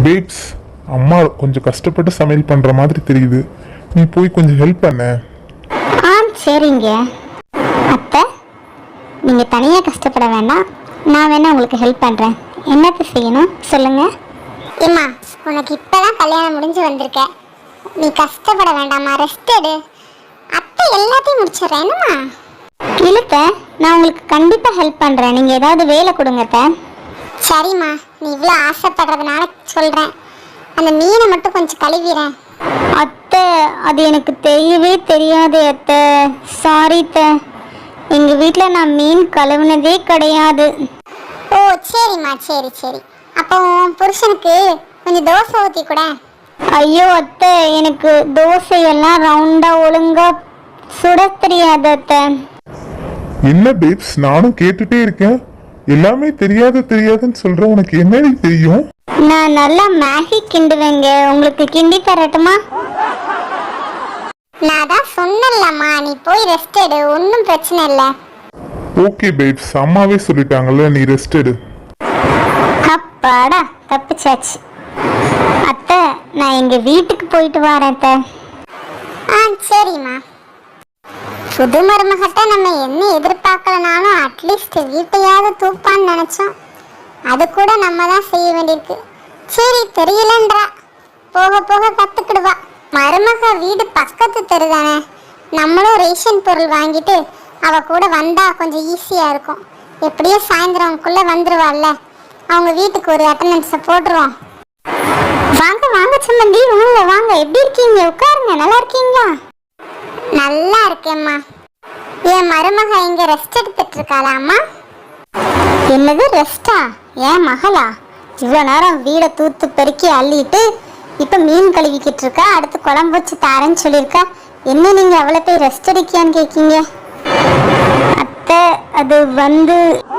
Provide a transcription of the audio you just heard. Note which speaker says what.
Speaker 1: Babes, அம்மா கொஞ்சம் கஷ்டப்பட்டு சமையல் பண்ணுற மாதிரி தெரியுது. நீ போய் கொஞ்சம் ஹெல்ப் பண்ண.
Speaker 2: சரிங்க அத்தை, நீங்கள் தனியாக கஷ்டப்பட வேண்டாம், நான் வேணா உங்களுக்கு ஹெல்ப் பண்ணுறேன். என்னத்தை செய்யணும் சொல்லுங்கள்.
Speaker 3: ஏம்மா, உனக்கு இப்போதான் கல்யாணம் முடிஞ்சு வந்திருக்க, நீ கஷ்டப்பட வேண்டாம்மா, ரெஸ்ட் எடு. அத்தை எல்லாத்தையும் முடிச்சிடுறேன். என்னம்மா?
Speaker 2: இழுத்த, நான் உங்களுக்கு கண்டிப்பாக ஹெல்ப் பண்ணுறேன். நீங்கள் ஏதாவது வேலை கொடுங்கத்த.
Speaker 3: சரிம்மா, நீ இவ்வளோ ஆசைப்படுறதுனால சொல்கிறேன். அந்த மீனை மட்டும் கொஞ்சம் கழுவிறேன்.
Speaker 2: அத்தை, அது எனக்கு தெரியவே தெரியாது அத்தை. சாரி அத்தை, எங்கள் வீட்டில் நான் மீன் கழுவுனதே கிடையாது.
Speaker 3: ஓ சரிம்மா, சரி சரி. அப்போ உன் புருஷனுக்கு கொஞ்சம் தோசை ஊற்றி கூட.
Speaker 2: ஐயோ அத்தை, எனக்கு தோசையெல்லாம் ரவுண்டாக ஒழுங்காக சுட தெரியாது அத்தை.
Speaker 1: என்ன பேப்ஸ், நானும் கேட்டுட்டே இருக்கேன். எல்லாமே தெரியாதுன்னு சொல்ற. உனக்கு என்னடி தெரியும்?
Speaker 2: நான் நல்லா மேகி கிண்டுவேங்க, உங்களுக்கு கிண்டி தரட்டுமா?
Speaker 3: நான் தான் சொன்னேன்லம்மா, நீ போய் ரெஸ்ட் எடு, ஒன்றும் பிரச்சனை இல்லை.
Speaker 1: ஓகே பேப்ஸ், அம்மாவே சொல்லிட்டாங்கல்ல, நீ ரெஸ்ட் எடு.
Speaker 2: அப்பாடா, தப்பிச்சாச்சு. அத்தை, நான் எங்கள் வீட்டுக்கு போயிட்டு வரேன் அத்தை.
Speaker 3: சரிம்மா. புது மருமகிட்ட நம்ம என்ன எதிர்பார்க்கலனாலும் அட்லீஸ்ட் வீட்டையாவது தூப்பான்னு நினச்சோம். அது கூட நம்ம தான் செய்ய வேண்டியிருக்கு. சரி, தெரியலன்றா, போக போக கற்றுக்கிடுவா. மருமக வீடு பக்கத்து தெரு தானே, நம்மளும் ரேஷன் பொருள் வாங்கிட்டு அவ கூட வந்தா கொஞ்சம் ஈஸியாக இருக்கும். எப்படியோ சாயந்தரம்குள்ளே வந்துடுவாள்ல, அவங்க வீட்டுக்கு ஒரு அட்டண்டன்ஸை போட்டுருவோம்.
Speaker 2: வாங்க வாங்க சம்மந்தி, வாங்க வாங்க. எப்படி இருக்கீங்க? உட்காருங்க. நல்லா இருக்கீங்களா?
Speaker 3: நல்லா இருக்கேம்மா. என் மருமக இங்கே ரெஸ்ட் எடுத்துட்டு இருக்காளாம்மா?
Speaker 2: என்னது ரெஸ்டா? ஏன் மகளா? இவ்வளோ நேரம் வீடை தூத்து பெருக்கி அள்ளிட்டு இப்போ மீன் கழுவிக்கிட்டு இருக்கா, அடுத்து குழம்பு வச்சு தாரேன்னு சொல்லியிருக்கா. என்ன நீங்கள் அவ்வளோ போய் ரெஸ்ட் எடுக்கியான்னு கேட்கீங்க? அத்தை, அது